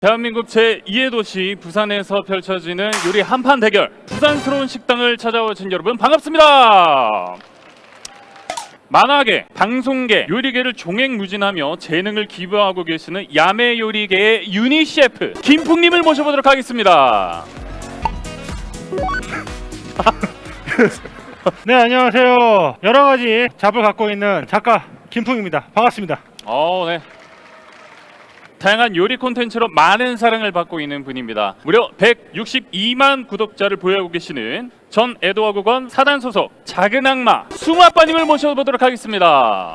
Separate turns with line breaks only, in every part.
대한민국 제2의 도시 부산에서 펼쳐지는 요리 한판 대결, 부산스러운 식당을 찾아오신 여러분 반갑습니다. 만화계, 방송계, 요리계를 종횡무진하며 재능을 기부하고 계시는 야매 요리계의 유니 셰프 김풍님을 모셔보도록 하겠습니다.
네, 안녕하세요. 여러 가지 잡을 갖고 있는 작가 김풍입니다. 반갑습니다.
네. 다양한 요리 콘텐츠로 많은 사랑을 받고 있는 분입니다. 무려 162만 구독자를 보유하고 계시는 전 에드워그건 사단 소속 작은 악마 숭아빠님을 모셔보도록 하겠습니다.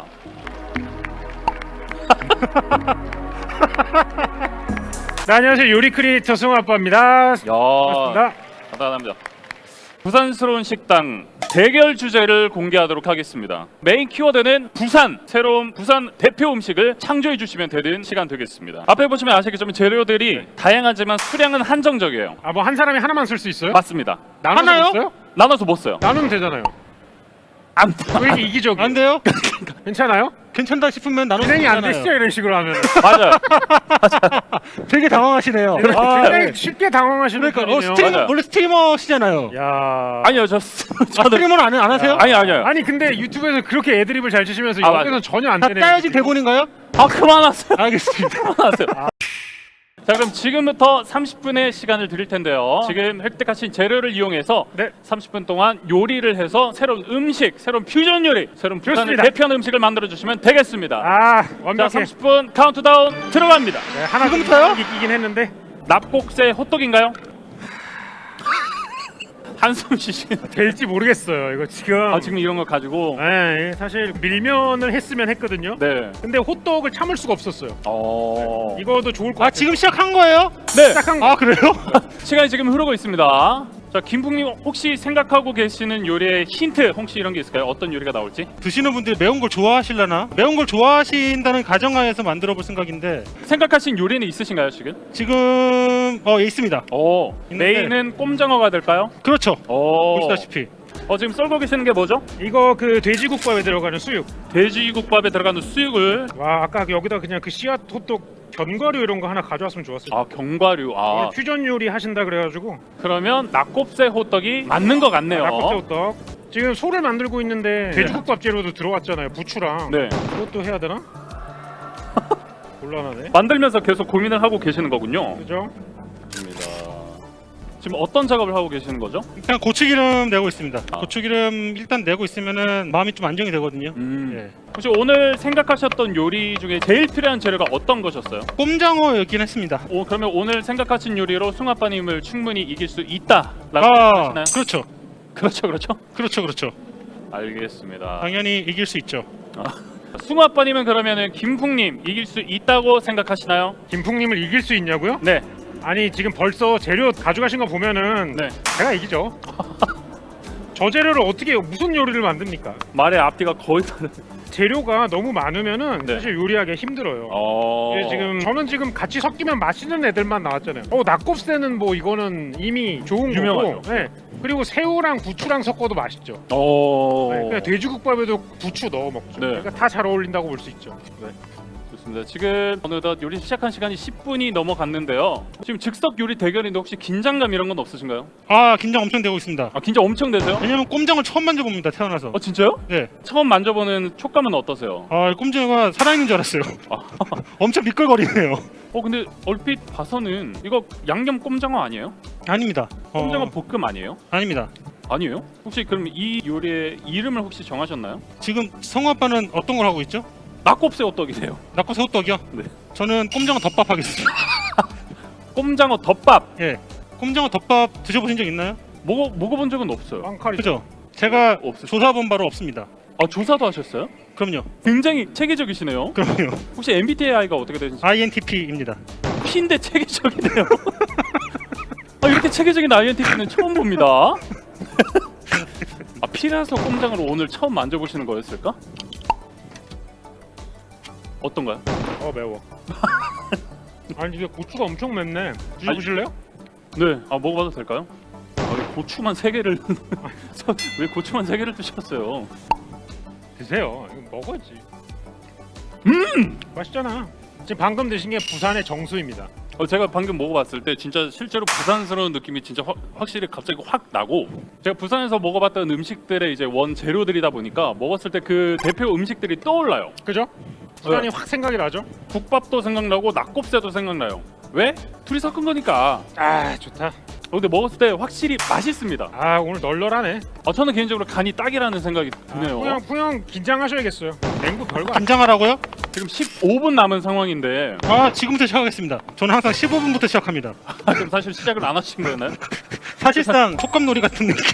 네, 안녕하세요. 요리 크리에이터 승아빠입니다. 반갑습니다.
감사합니다. 부산스러운 식당 대결 주제를 공개하도록 하겠습니다. 메인 키워드는 부산, 새로운 부산 대표 음식을 창조해 주시면 되는 시간 되겠습니다. 앞에 보시면 아시겠지만 재료들이 다양하지만 수량은 한정적이에요.
아, 뭐 한 사람이 하나만 쓸 수 있어요?
맞습니다.
나눠서
하나요?
못 써요?
나눠서 못 써요.
나누면 되잖아요.
안
왜 이렇게 이기적이?
안 돼요?
괜찮아요?
괜찮다 싶으면 나눠
진행이 안 되시죠? 이런 식으로 하면.
맞아요.
되게 당황하시네요.
굉장히 쉽게 당황하시는
그러니까
분이네요.
맞아요.
원래 스트리머시잖아요.
야.
아니요, 저는
스트리머는 안 하세요?
아니요.
아니 근데 유튜브에서 그렇게 애드립을 잘 치시면서
아,
여기서는 전혀 안
다
되네요.
짜여진 대본인가요?
그만하세요.
알겠습니다.
그만하세요. 자, 그럼 지금부터 30분의 시간을 드릴 텐데요. 지금 획득하신 재료를 이용해서
네.
30분 동안 요리를 해서 새로운 음식, 새로운 퓨전 요리, 새로운 부산을
좋습니다.
대표하는 음식을 만들어 주시면 되겠습니다.
아,
자,
완벽해.
30분 카운트다운 들어갑니다.
네, 하나
지금부터요?
이기긴 했는데.
납곡새 호떡인가요? 한숨 쉬시는.
될지 모르겠어요. 이거 지금.
지금 이런 거 가지고.
네, 사실 밀면을 했으면 했거든요.
네.
근데 호떡을 참을 수가 없었어요. 이거도 좋을 것
아,
같아요.
지금 시작한 거예요?
네.
시작한 거.
아, 그래요?
시간이 지금 흐르고 있습니다. 자, 김풍님 혹시 생각하고 계시는 요리의 힌트 혹시 이런 게 있을까요? 어떤 요리가 나올지?
드시는 분들이 매운 걸 좋아하실라나? 매운 걸 좋아하신다는 가정하에서 만들어 볼 생각인데
생각하신 요리는 있으신가요 지금?
지금 있습니다. 있는데.
메인은 꼼장어가 될까요?
그렇죠. 보시다시피
지금 썰고 계시는 게 뭐죠?
이거 그 돼지국밥에 들어가는 수육.
돼지국밥에 들어가는 수육을.
와, 아까 여기다 그냥 그 씨앗 호떡 견과류 이런 거 하나 가져왔으면 좋았을 텐데.
견과류.
오늘 퓨전 요리 하신다 그래가지고.
그러면 낙곱새 호떡이 맞는 것 같네요.
낙곱새 호떡. 지금 소를 만들고 있는데 돼지국밥 재료도 들어왔잖아요. 부추랑.
네.
그것도 해야 되나? 곤란하네.
만들면서 계속 고민을 하고 계시는 거군요.
그죠?
좋습니다. 지금 어떤 작업을 하고 계시는 거죠?
그냥 고추기름 내고 있습니다. 고추기름 일단 내고 있으면은 마음이 좀 안정이 되거든요. 예.
혹시 오늘 생각하셨던 요리 중에 제일 필요한 재료가 어떤 것이었어요?
꼼장어였긴 했습니다.
그러면 오늘 생각하신 요리로 숭아빠님을 충분히 이길 수 있다라고 생각하시나요?
그렇죠.
그렇죠. 알겠습니다.
당연히 이길 수 있죠.
숭아빠님은 그러면은 김풍님 이길 수 있다고 생각하시나요?
김풍님을 이길 수 있냐고요?
네.
아니 지금 벌써 재료 가져가신 거 보면은
네.
제가 이기죠. 저 재료를 어떻게 무슨 요리를 만듭니까?
말의 앞뒤가 거의 다.
재료가 너무 많으면은
네.
사실 요리하기 힘들어요. 지금 저는 지금 같이 섞이면 맛있는 애들만 나왔잖아요. 낙곱새는 뭐 이거는 이미 좋은
유명하죠.
거고. 네. 그리고 새우랑 부추랑 섞어도 맛있죠. 네. 그냥 돼지국밥에도 부추 넣어 먹죠.
네.
그러니까 다 잘 어울린다고 볼 수 있죠. 네.
좋습니다. 지금 어느덧 요리 시작한 시간이 10분이 넘어갔는데요. 지금 즉석 요리 대결인데 혹시 긴장감 이런 건 없으신가요?
긴장 엄청 되고 있습니다.
긴장 엄청 되세요?
왜냐면 꼼장을 처음 만져봅니다. 태어나서.
진짜요?
네.
처음 만져보는 촉감은 어떠세요?
꼼장어가 살아있는 줄 알았어요. 엄청 미끌거리네요.
근데 얼핏 봐서는 이거 양념 꼼장어 아니에요?
아닙니다.
꼼장어 볶음 아니에요?
아닙니다.
아니에요? 혹시 그럼 이 요리의 이름을 혹시 정하셨나요?
지금 성우 아빠는 어떤 걸 하고 있죠?
낙곱새 호떡이세요.
낙곱새 호떡이요?
네.
저는 꼼장어 덮밥 하겠습니다.
꼼장어 덮밥.
예. 꼼장어 덮밥 드셔보신 적 있나요?
먹어본 적은 없어요.
빵칼이.
그죠? 제가
없으시죠?
조사본 바로 없습니다.
조사도 하셨어요?
그럼요.
굉장히 체계적이시네요.
그럼요.
혹시 MBTI가 어떻게 되는지?
INTP입니다.
P인데 체계적이네요. 이렇게 체계적인 INTP는 처음 봅니다. P라서 꼼장어를 오늘 처음 만져보시는 거였을까? 어떤가요?
매워. 아니 이게 고추가 엄청 맵네. 드셔보실래요?
네, 먹어봐도 될까요? 왜 고추만 3개를 왜 고추만 3개를 드셨어요?
드세요. 이거 먹어야지. 맛있잖아. 지금 방금 드신 게 부산의 정수입니다.
제가 방금 먹어봤을 때 진짜 실제로 부산스러운 느낌이 진짜 확실히 갑자기 확 나고, 제가 부산에서 먹어봤던 음식들의 이제 원재료들이다 보니까 먹었을 때 그 대표 음식들이 떠올라요.
그죠? 부산이 확 생각이 나죠?
국밥도 생각나고 낙곱새도 생각나요. 왜? 둘이 섞은 거니까.
아 좋다.
근데 먹었을 때 확실히 맛있습니다.
아 오늘 널널하네.
저는 개인적으로 간이 딱이라는 생각이 드네요.
풍영 긴장하셔야겠어요. 냉구 별거 아니야.
긴장하라고요?
지금 15분 남은 상황인데
지금부터 시작하겠습니다. 저는 항상 15분부터 시작합니다.
지금 사실 시작을 안 하신 거였나요?
사실상 촉감놀이 같은 느낌.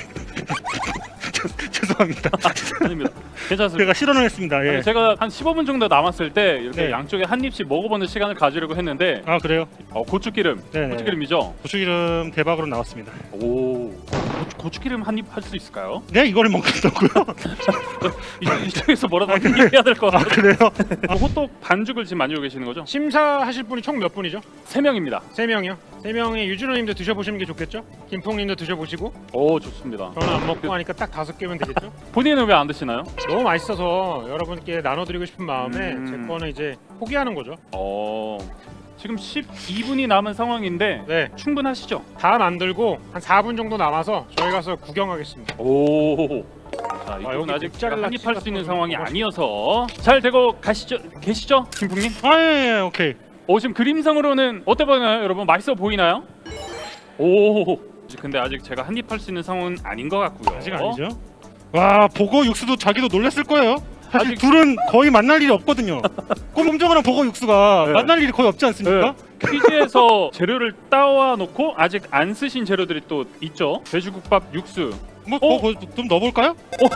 죄송합니다.
아닙니다. 괜찮습니다.
제가 실언을 했습니다. 예.
아니, 제가 한 15분 정도 남았을 때 이렇게
네.
양쪽에 한 입씩 먹어보는 시간을 가지려고 했는데
아 그래요?
고추기름,
네네.
고추기름이죠?
고추기름 대박으로 나왔습니다.
오, 고추기름 한 입 할 수 있을까요?
네, 이거를 먹겠다고요?
이쪽에서 뭐라도 해야 될 것
아
같아요.
그래요?
호떡 반죽을 지금 만들고 계시는 거죠?
심사하실 분이 총 몇 분이죠?
3명입니다.
3명이요. 3명의 유준호님도 드셔보시는 게 좋겠죠? 김풍님도 드셔보시고
오, 좋습니다.
저는 안 먹고 하니까 딱 5개면 되겠죠?
본인은 왜 안 드시나요?
너무 맛있어서 여러분께 나눠드리고 싶은 마음에
음.
제 거는 이제 포기하는 거죠.
지금 12분이 남은 상황인데
네,
충분하시죠?
다 만들고 한 4분 정도 남아서 저희 가서 구경하겠습니다.
오. 자, 이건
여기
아직
모짜렐라
한입할 수 있는
치즈가
상황이
또
아니어서 잘 되고 계시죠, 김풍님?
예, 오케이.
지금 그림상으로는 어때 보이나요, 여러분? 맛있어 보이나요? 오. 근데 아직 제가 한입할 수 있는 상황은 아닌 것 같고요.
아직 아니죠? 와, 보고 육수도 자기도 놀랐을 거예요. 사실
아직-
둘은 거의 만날 일이 없거든요. 꼼꼼정이랑 보고 육수가
네.
만날 일이 거의 없지 않습니까?
퀴즈에서 재료를 따와 놓고 아직 안 쓰신 재료들이 또 있죠. 돼지국밥 육수.
좀 넣어볼까요?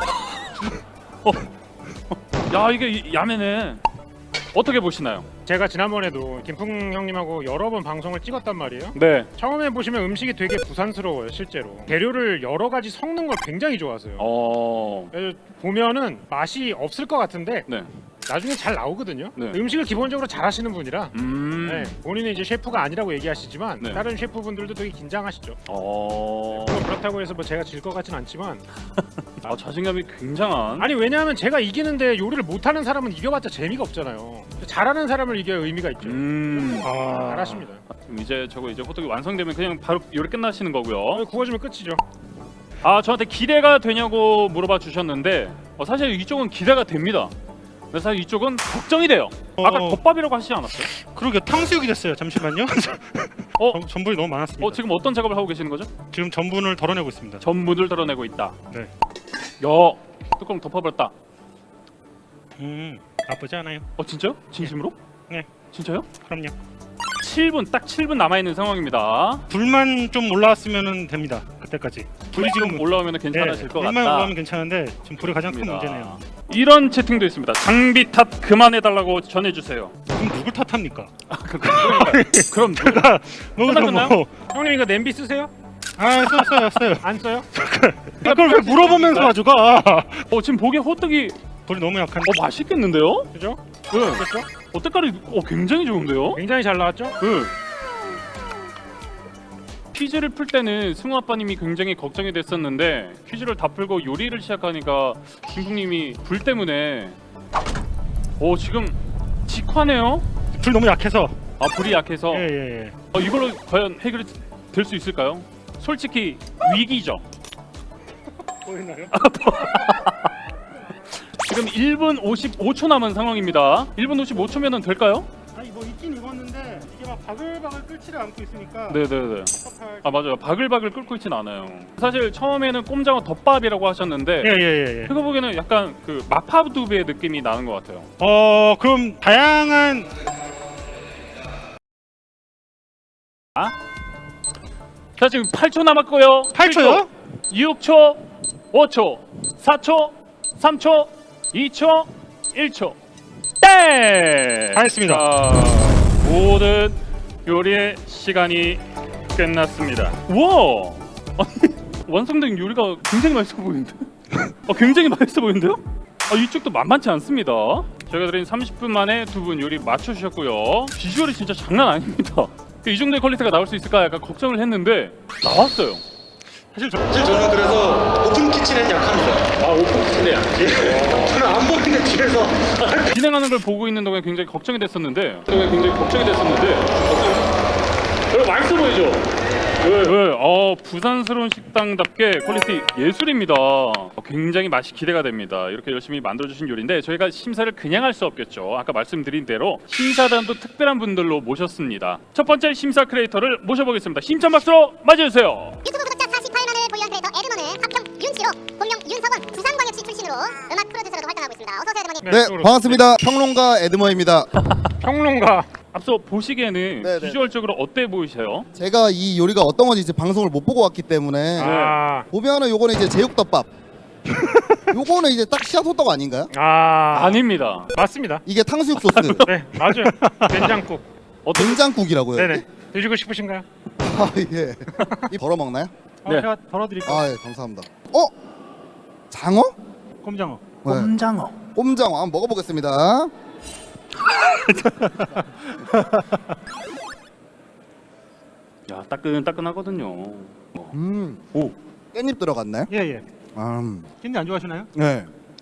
야, 이게 야매네. 어떻게 보시나요?
제가 지난번에도 김풍 형님하고 여러 번 방송을 찍었단 말이에요.
네.
처음에 보시면 음식이 되게 부산스러워요, 실제로. 재료를 여러 가지 섞는 걸 굉장히 좋아하세요. 그래서 보면은 맛이 없을 것 같은데
네.
나중에 잘 나오거든요.
네.
음식을 기본적으로 잘하시는 분이라. 네, 본인은 이제 셰프가 아니라고 얘기하시지만
네.
다른 셰프분들도 되게 긴장하시죠. 그렇다고 해서 뭐 제가 질 것 같진 않지만
자신감이 굉장한.
아니 왜냐하면 제가 이기는데 요리를 못하는 사람은 이겨봤자 재미가 없잖아요. 잘하는 사람을 이겨야 의미가 있죠. 잘하십니다.
그럼 이제 호떡이 완성되면 그냥 바로 요리 끝나시는 거고요.
구워주면 끝이죠.
저한테 기대가 되냐고 물어봐 주셨는데 사실 이쪽은 기대가 됩니다. 근데 사실 이쪽은 걱정이 돼요. 아까 덮밥이라고 하시지 않았어요?
그러게 탕수육이 됐어요. 잠시만요. 전분이 너무 많았습니다.
지금 어떤 작업을 하고 계시는 거죠?
지금 전분을 덜어내고 있습니다.
전분을 덜어내고 있다.
네.
야, 뚜껑 덮어버렸다.
나쁘지 않아요.
진짜요? 진심으로?
네.
진짜요?
그럼요.
7분, 딱 7분 남아있는 상황입니다.
불만 좀 올라왔으면 됩니다. 그때까지.
불이 지금 올라오면 괜찮아질 것 같다.
불만 올라오면 괜찮은데 지금 불이 가장 큰 문제네요.
이런 채팅도 있습니다. 장비 탓 그만해달라고 전해주세요.
그럼 누굴 탓합니까?
그럼
제가
끝났나요?
형님 이거 냄비 쓰세요?
써요.
안 써요?
그걸 왜 물어보면서 가져가?
지금 보기에 호떡이
불이 너무 약한데.
맛있겠는데요?
그죠?
네.
그렇죠?
색깔이 굉장히 좋은데요?
굉장히 잘 나왔죠?
네. 퀴즈를 풀 때는 승우 아빠님이 굉장히 걱정이 됐었는데 퀴즈를 다 풀고 요리를 시작하니까 김풍님이 불 때문에 지금 직화네요?
불 너무 약해서.
불이 약해서
예.
이걸로 과연 해결이 될 수 있을까요? 솔직히 위기죠.
보이나요?
지금 1분 55초 남은 상황입니다. 1분 55초면은 될까요?
아니 뭐 있긴 익었는데 이게 막 바글바글 끓지를 않고 있으니까.
네네네.
섭섭할.
맞아요. 바글바글 끓고 있진 않아요. 사실 처음에는 꼼장어 덮밥이라고 하셨는데
예.
제가 보기에는 약간 그 마파두부의 느낌이 나는 것 같아요.
그럼 다양한.
자, 지금 8초 남았고요.
8초요?
6초, 5초, 4초, 3초, 2초, 1초. 땡!
다 했습니다.
모든 요리의 시간이 끝났습니다. 우와! 아니, 완성된 요리가 굉장히 맛있어 보이는데? 굉장히 맛있어 보이는데요? 이쪽도 만만치 않습니다. 저희가 드린 30분 만에 두 분 요리 맞춰주셨고요. 비주얼이 진짜 장난 아닙니다. 이 정도의 퀄리티가 나올 수 있을까 약간 걱정을 했는데 나왔어요.
사실
저는 그래서 오픈 키친엔 약합니다.
오픈 키친에 약해?
저는 안 보이는데 뒤에서
진행하는 걸 보고 있는 동안 굉장히 걱정이 됐었는데 맛있어 보이죠? 부산스러운 식당답게 퀄리티 예술입니다. 굉장히 맛이 기대가 됩니다. 이렇게 열심히 만들어주신 요리인데 저희가 심사를 그냥 할 수 없겠죠. 아까 말씀드린 대로 심사단도 특별한 분들로 모셨습니다. 첫 번째 심사 크리에이터를 모셔보겠습니다. 힘찬 박수로 맞이해주세요.
유튜브 구독자 48만을 보유한 크리에이터 에드먼은 합평 윤씨로 본명 윤석원 부산광역시 출신으로 음악 프로듀서로도 활동하고 있습니다. 어서 오세요 에드먼님.
네,
네, 반갑습니다. 평론가 에드머입니다.
평론가.
앞서 보시기에는
네네.
비주얼적으로 어때 보이세요?
제가 이 요리가 어떤 건지 이제 방송을 못 보고 왔기 때문에 보면은 요거는 이제 제육덮밥. 요거는 이제 딱 씨앗 호떡 아닌가요?
아닙니다.
맞습니다.
이게 탕수육 소스.
네, 맞아요. 된장국.
된장국이라고요.
네네.
이게?
드시고 싶으신가요?
아 예. 이 덜어 먹나요?
네.
제가 덜어드릴게요.
아 예, 감사합니다. 장어?
꼼장어.
네. 꼼장어. 꼼장어 한번 먹어보겠습니다.
야 따끈따끈하거든요. 오.
깻잎 들어갔나요?
예예. 깻잎 안 좋아하시나요?
네.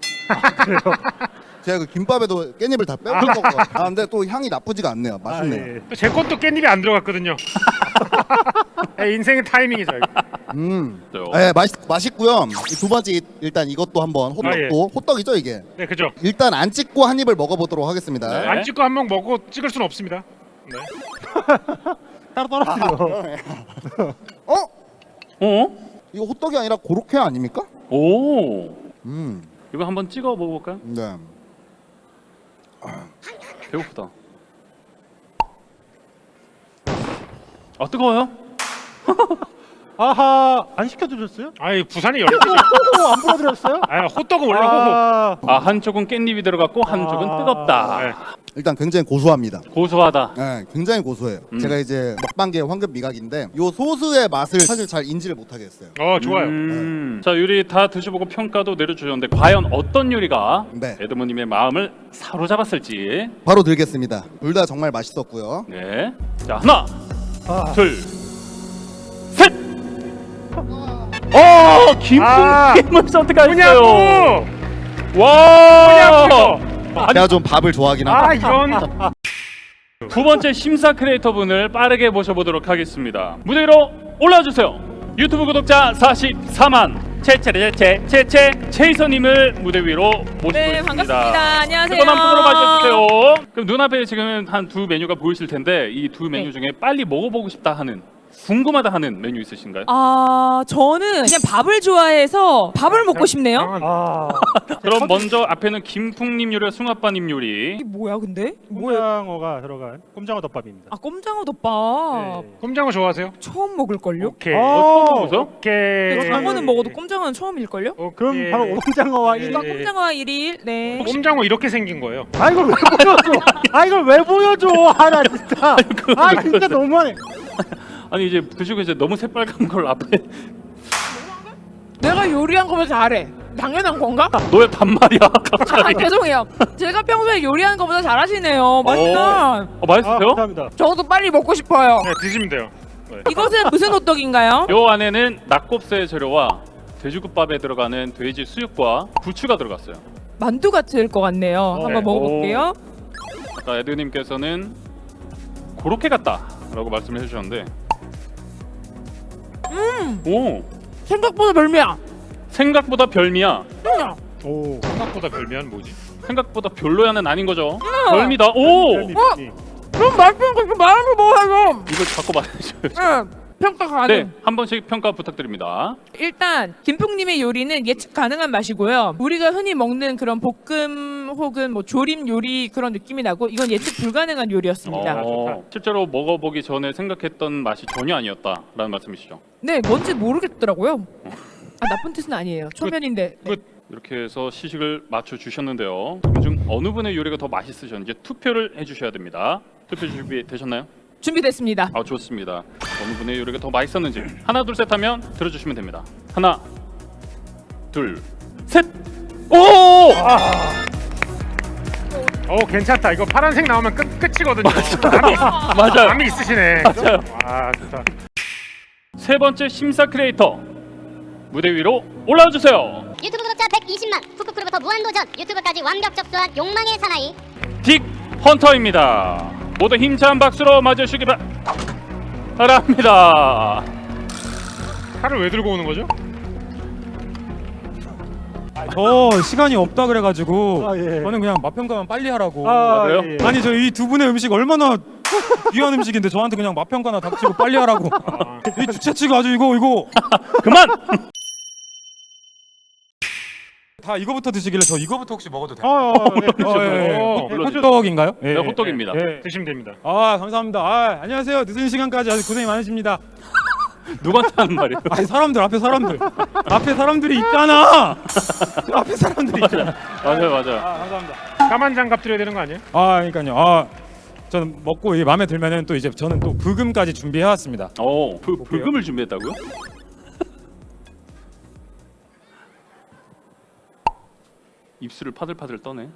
제가 그 김밥에도 깻잎을 다 빼고 먹어요. 근데 또 향이 나쁘지가 않네요. 맛있네요.
예.
또 제 것도 깻잎이 안 들어갔거든요. 네, 인생의 타이밍이죠. 이거.
네, 맛있고요. 이두 번째 일단 이것도 한번 호떡도 호떡이죠 이게.
네, 그죠.
일단 안 찍고 한 입을 먹어보도록 하겠습니다.
네.
안 찍고 한 번 먹고 찍을 수는 없습니다. 네.
따로 떨어뜨려.
이거 호떡이 아니라 고로케 아닙니까?
오.
음,
이거 한번 찍어 먹어볼까요?
네.
배고프다. 아 뜨거워요?
아하, 안 시켜드렸어요?
아이 부산이 열리지.
안 보여드렸어요?
아, 호떡은 원래 호호.
한쪽은 깻잎이 들어갔고 한쪽은 뜨겁다.
네.
일단 굉장히 고소합니다.
고소하다.
네, 굉장히 고소해요. 제가 이제 먹방계의 황금 미각인데 이 소스의 맛을 사실 잘 인지를 못하겠어요.
좋아요.
자 요리 다 드셔보고 평가도 내려주셨는데 과연 어떤 요리가
네.
에드모님의 마음을 사로잡았을지.
바로 들겠습니다. 둘 다 정말 맛있었고요.
네. 자 하나, 둘, 셋. 김풍김을 선택하셨어요.
뭐냐고!
와.
제가 좀 밥을 좋아하긴 합니다.
이런.
두 번째 심사 크리에이터 분을 빠르게 모셔보도록 하겠습니다. 무대 위로 올라와 주세요. 유튜브 구독자 44만 채채 체이서님을 무대 위로 모시고
네,
있습니다.
반갑습니다. 안녕하세요.
뜨거운 한 분으로 맞이해주세요. 그럼 눈앞에 지금 한 두 메뉴가 보이실 텐데 이 두 메뉴
네.
중에 빨리 먹어보고 싶다 하는, 궁금하다 하는 메뉴 있으신가요?
저는 그냥 밥을 좋아해서 밥을 먹고 싶네요.
그럼 먼저 앞에는 김풍님 요리와 숭아빠님 요리.
이게 뭐야, 근데? 뭐야?
꼼장어가 들어간 꼼장어 덮밥입니다.
꼼장어 덮밥.
네.
꼼장어 좋아하세요?
처음 먹을걸요?
오케이.
처음 먹어서?
오케이.
근데 장어는 먹어도 꼼장어는 처음일걸요?
그럼 바로 꼼장어와
네.
이거 꼼장어와 1일. 네.
꼼장어 이렇게 생긴 거예요.
아 이걸 왜 보여줘? 아 이걸 왜 보여줘? 나 진짜. 아 진짜 너무하네.
아니 이제 드시고 이제 너무 새빨간 걸 앞에
내가 요리한 거보다 잘해. 당연한 건가?
너의 반말이야 갑자기.
죄송해요. 제가 평소에 요리하는 거보다 잘하시네요. 맛있다.
맛있어요?
감사합니다.
저도 빨리 먹고 싶어요.
네, 드시면 돼요. 네.
이것은 무슨 호떡인가요?
요 안에는 낙곱새 재료와 돼지국밥에 들어가는 돼지 수육과 부추가 들어갔어요.
만두 같을 것 같네요.
네.
한번 먹어볼게요.
아까 에드님께서는 고로케 같다라고 말씀을 해주셨는데, 오
생각보다 별미야.
생각보다 별미야.
오.
생각보다 별미한 뭐지?
생각보다 별로야는 아닌 거죠. 별미다. 오
그럼 맛있는 거 좀 말하면 뭐하죠?
이걸 자꾸 말해줘요.
네, 평가 가능.
네, 한 번씩 평가 부탁드립니다.
일단 김풍님의 요리는 예측 가능한 맛이고요. 우리가 흔히 먹는 그런 볶음 혹은 뭐 조림 요리 그런 느낌이 나고 이건 예측 불가능한 요리였습니다.
실제로 먹어보기 전에 생각했던 맛이 전혀 아니었다라는 말씀이시죠?
네, 뭔지 모르겠더라고요. 나쁜 뜻은 아니에요. 초면인데. 네.
이렇게 해서 시식을 맞춰 주셨는데요. 그중 어느 분의 요리가 더 맛있으셨는지 투표를 해주셔야 됩니다. 투표 준비 되셨나요?
준비됐습니다.
좋습니다. 어느 분의 요리가 더 맛있었는지 하나 둘 셋 하면 들어주시면 됩니다. 하나 둘 셋. 오!
괜찮다. 이거 파란색 나오면 끝이거든요.
맞아요.
남이 있으시네.
맞아요.
아, 좋다.
세 번째 심사 크리에이터 무대 위로 올라와 주세요.
유튜브 구독자 120만 푸크크로부터 무한도전 유튜브까지 완벽 접수한 욕망의 사나이
딕 헌터입니다. 모두 힘찬 박수로 맞으시기 바랍니다. 합니다.
칼을 왜 들고 오는 거죠?
저 시간이 없다 그래가지고
예.
저는 그냥 맛평가만 빨리 하라고.
그래요?
예.
아니 저 이 두 분의 음식 얼마나 귀한 음식인데 저한테 그냥 맛평가나 닥치고 빨리 하라고. 이 주최측 아주 이거
그만.
다 이거부터 드시길래 저 이거부터 혹시 먹어도 돼요? 호떡인가요?
네, 호떡입니다.
드시면 됩니다.
아 감사합니다. 아 안녕하세요. 늦은 시간까지 아주 고생이 많으십니다.
누구한테 하는 말이에요?
아니 사람들 앞에 사람들이 있잖아. 저 앞에 사람들이 있잖아.
맞아요.
아 감사합니다.
까만 장갑 드려야 되는 거 아니에요?
아 그러니까요. 아 저는 먹고 이게 마음에 들면은 또 이제 저는 또 브금까지 준비해 왔습니다.
불금을 준비했다고요? 입술을 파들파들 떠네.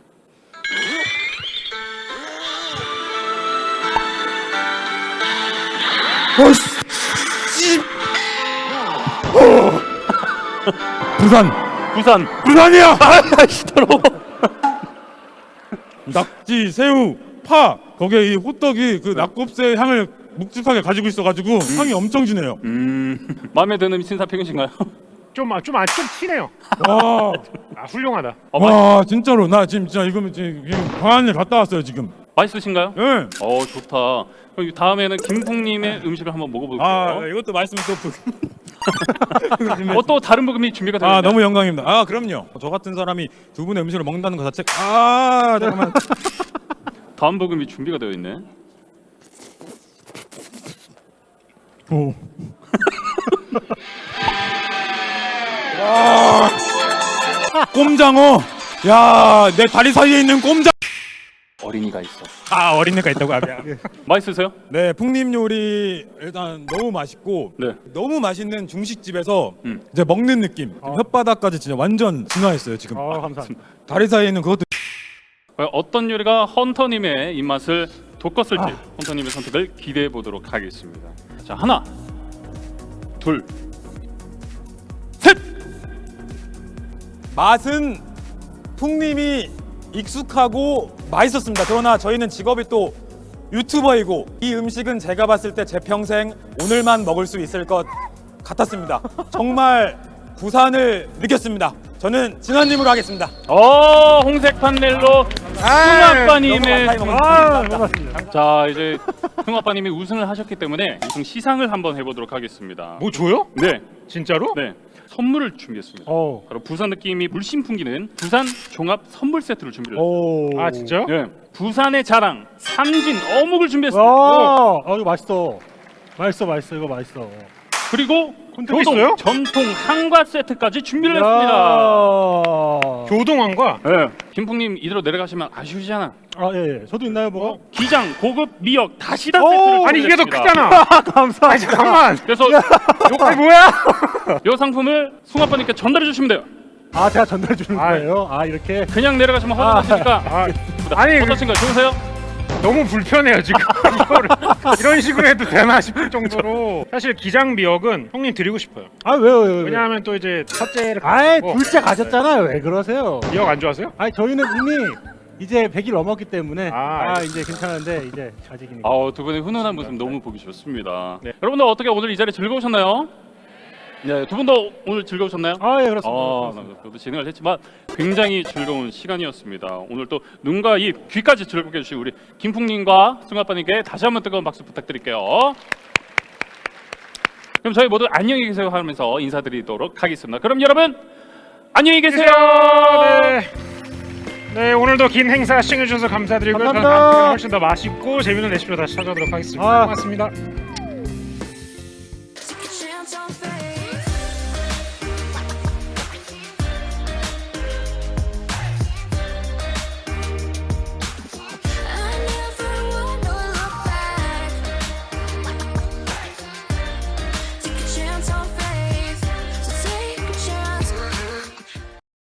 부산이야.
시더러.
낙지, 새우, 파 거기에 이 호떡이 그 낙곱새 향을 묵직하게 가지고 있어가지고 향이 엄청 진해요.
마음에 드는 신사평이신가요?
좀 티네요.
와,
훌륭하다.
와 진짜로 나 진짜 지금 광안리 갔다 왔어요 지금.
맛있으신가요?
예.
좋다. 그럼 다음에는 김풍님의 음식을 한번 먹어볼게요.
아 이것도 말씀은 또
또 다른 부금이 준비가 되었나요?
아 너무 영광입니다. 아 그럼요. 저 같은 사람이 두 분의 음식을 먹는다는 것 자체. 아 잠깐만.
다음 부금이 준비가 되어 있네.
오. 와. 꼼장어. 야, 내 다리 사이에 있는 꼼장.
어린이가 있어.
아, 어린애가 있다고. 아,
맛있으세요?
네, 풍림 요리 일단 너무 맛있고
네.
너무 맛있는 중식집에서 이제 먹는 느낌. 혓바닥까지 진짜 완전 진화했어요 지금.
감사합니다.
다리 사이에 있는 그것도.
어떤 요리가 헌터님의 입맛을 돋궜을지 헌터님의 선택을 기대해 보도록 하겠습니다. 자, 하나, 둘, 셋.
맛은 풍림이 익숙하고 맛있었습니다. 그러나 저희는 직업이 또 유튜버이고 이 음식은 제가 봤을 때 제 평생 오늘만 먹을 수 있을 것 같았습니다. 정말 부산을 느꼈습니다. 저는 진환님으로 하겠습니다.
홍색 판넬로 흥아빠님의
고맙습니다.
자, 이제 흥아빠님이 우승을 하셨기 때문에 우승 시상을 한번 해보도록 하겠습니다.
뭐 줘요?
네,
진짜로?
네. 선물을 준비했습니다. 바로 부산 느낌이 물씬 풍기는 부산 종합 선물 세트를 준비했습니다.
아 진짜요?
네, 부산의 자랑 삼진 어묵을 준비했습니다.
이거 맛있어. 맛있어. 이거 맛있어.
그리고
또 있어요?
전통 한과 세트까지 준비를 했습니다.
교동왕과.
네, 김풍님 이대로 내려가시면 아쉬우시잖아.
예. 저도 있나요, 뭐?
기장 고급 미역 다시다 세트를
아니 이게 더
준비했습니다.
크잖아.
감사합니다.
아니 잠깐만.
그래서
아니 뭐야?
요 상품을 숭아빠님께 전달해 주시면 돼요.
제가 전달해 주는 거예요. 이렇게.
그냥 내려가시면 허전하시니까.
아니
어떠신가요? 좋으세요?
너무 불편해요 지금. 이거를 이런 식으로 해도 되나 싶을 정도로. 사실 기장 미역은 형님 드리고 싶어요.
왜요?
왜냐하면 또 이제 첫째를
둘째 가졌잖아요. 왜 그러세요?
미역 안 좋아하세요?
저희는 이미 이제 100일 넘었기 때문에
알겠습니다.
이제 괜찮은데 이제 아직이니까.
두 분의 훈훈한 모습 너무 보기 좋습니다.
네.
여러분들 어떻게 오늘 이 자리 즐거우셨나요? 네, 두 분도 오늘 즐거우셨나요?
예, 그렇습니다.
저도 진행을 했지만 굉장히 즐거운 시간이었습니다. 오늘 또 눈과 입, 귀까지 즐겁게 해주신 우리 김풍님과 승아빠님께 다시 한번 뜨거운 박수 부탁드릴게요. 그럼 저희 모두 안녕히 계세요 하면서 인사드리도록 하겠습니다. 그럼 여러분 안녕히 계세요.
네 오늘도 긴 행사 시청해주셔서 감사드리고요.
감사합니다.
다음 시간에 훨씬 더 맛있고 재밌는 레시피로 다시 찾아오도록 하겠습니다. 고맙습니다.